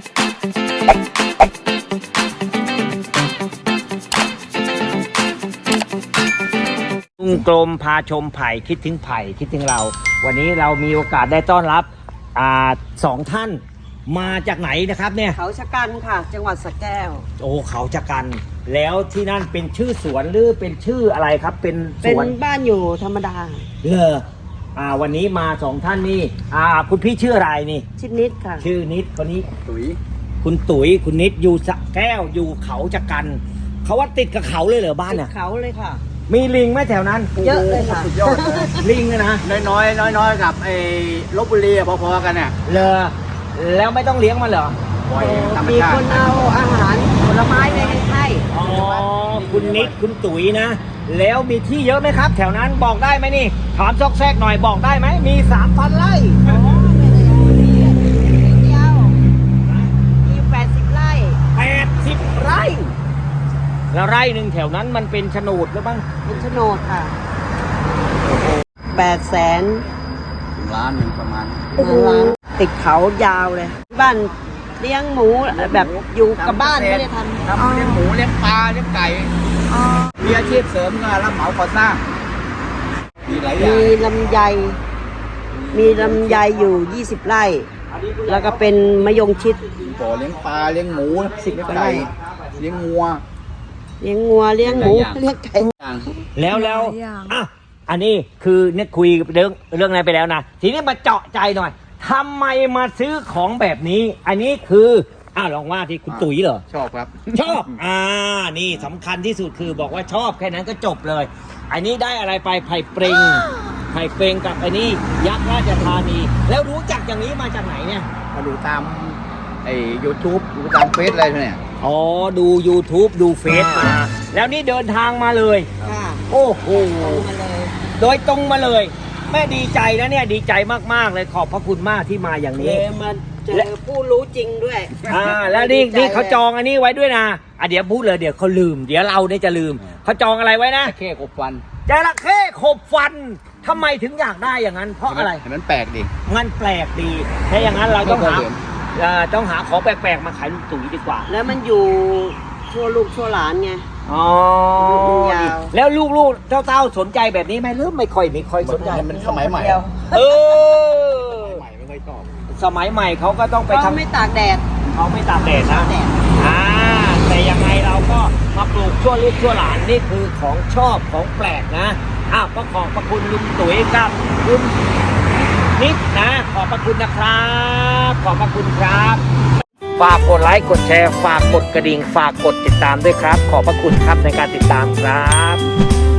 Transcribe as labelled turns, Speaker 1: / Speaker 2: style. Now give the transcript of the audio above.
Speaker 1: ลุงกรมพาชมไผ่คิดถึงไผ่คิดถึงเราวันนี้เรามีโอกาสได้ต้อนรับสองท่านมาจากไหนนะครับเนี่ย
Speaker 2: เขาชะกันค่ะจังหวัดสระแก้ว
Speaker 1: โอ้เขาชะกันแล้วที่นั่นเป็นชื่อสวนหรือเป็นชื่ออะไรครับเป็นสวน
Speaker 2: บ้านอยู่ธรรมดา
Speaker 1: เลอวันนี้มาสองท่านนี่คุณพี่ชื่ออะไรนี่
Speaker 2: ชื่อนิดค่ะ
Speaker 1: ชื่อนิดคนนี้ตุ๋ยคุณตุ๋ยคุณนิดอยู่สระแก้วอยู่เขาชะกันเขาว่าติดกับเขาเลยเหรอบ้านน่ะ
Speaker 2: เขาเลยค่ะ
Speaker 1: มีลิงไหมแถวนั้น
Speaker 2: เยอะเลยค่ะ
Speaker 3: สุดยอด
Speaker 1: ลิงนะ
Speaker 3: น้อยกับไอ้ลพบุรีพอๆกันเนี่ย
Speaker 1: เลอแล้วไม่ต้องเลี้ยงมันเหรอ
Speaker 2: มีคนเอาอาหารผลไม้ไปให้
Speaker 1: อ๋อคุณนิดคุณตุ๋ยนะแล้วมีที่เยอะไหมครับแถวนั้นบอกได้ไหมนี่ถามซอกแซกหน่อยบอกได้ไหมมี 3,000 ไร่
Speaker 2: อ๋อไม่ได้เดียวมี80 ไร่
Speaker 1: 80 ไร่แล้วไร่หนึ่งแถวนั้นมันเป็นโฉนดหรือเปล่า
Speaker 2: เป็นโฉนดค่ะ800,000
Speaker 3: ล้านหนึ่งประมาณ
Speaker 2: ล้านติดเขายาวเลยบ้านเลี้ยงหมูแบบอยู่กับบ้านไม่ได้ทำ
Speaker 3: เลี้ยงหมูเลี้ยงปลาเลี้ยงไก่มีอาชีพเสริมก็รับเหมาก่อสร้างมีหลายอย่าง
Speaker 2: มีลำไยอยู่20 ไร่แล้วก็เป็นมะยงชิด
Speaker 3: บ่อเลี้ยงปลาเลี้ยงหมู
Speaker 2: 10
Speaker 3: เลี้ยงไก่เลี้ยงงัว
Speaker 2: เลี้ยงหมูเลี้ยงไก่
Speaker 1: แล้วอันนี้คือเนี่ยคุยเรื่องอะไรไปแล้วนะทีนี้มาเจาะใจหน่อยทำไมมาซื้อของแบบนี้อันนี้คือลองว่าที่คุณตุ๋ยเหรอ
Speaker 3: ชอบครับ
Speaker 1: ชอบนี่สำคัญที่สุดคือบอกว่าชอบแค่นั้นก็จบเลยอันนี้ได้อะไรไปไผ่เปรงกับอันนี้ยักษ์ราชธานีแล้วรู้จักอย่างนี้มาจากไหนเนี่ย
Speaker 3: มาดูตามไอ้ YouTube ดูตามเฟซอะไรเนี่ย
Speaker 1: อ๋อดู YouTube ดูเฟซมาแล้วนี่เดินทางมาเลยโอ้โหโดยตรงมาเลยแม่ดีใจนะเนี่ยดีใจมากๆเลยขอบพระคุณมากที่มาอย่างนี้
Speaker 2: มาเจอผู้รู้จริงด้วย
Speaker 1: แล้วนี่เขาจองอันนี้ไว้ด้วยนะเดี๋ยวพูดเลยเดี๋ยวเขาลืมเดี๋ยวเราเนี่ยจะลืมเขาจองอะไรไว้นะ
Speaker 3: จระเข้ขบฟัน
Speaker 1: จระเข้ขบฟันทำไมถึงอยากได้อย่างนั้นเพราะอะไร
Speaker 3: มันแปลกดี
Speaker 1: มันแปลกดีถ้าอย่างนั้นเราต้องหาของแปลกๆมาขายลุงตุ๋ยดีกว่า
Speaker 2: แล้วมันอยู่ชั่วลูกชั่วหลานไง
Speaker 1: แล้วลูกๆเจ้าสนใจแบบนี้ไหมหรือไม่ค่อยสนใจ
Speaker 3: มันสมัยใหม่
Speaker 1: สมัยใหม่ไม่ค่อยชอบสมัยใหม่เขาก็ต้องไปทำ
Speaker 2: ไม่ตากแดด
Speaker 1: เขาไม่ตากแดดนะแต่ยังไงเราก็มาปลูกชั่วลูกชั่วหลานนี่คือของชอบของแปลกนะก็ขอบพระคุณลุงตุ๋ยกับคุณนิดนะขอบพระคุณนะครับขอบพระคุณครับฝากกดไลค์กดแชร์ฝากกดกระดิ่งฝากกดติดตามด้วยครับขอบพระคุณครับในการติดตามครับ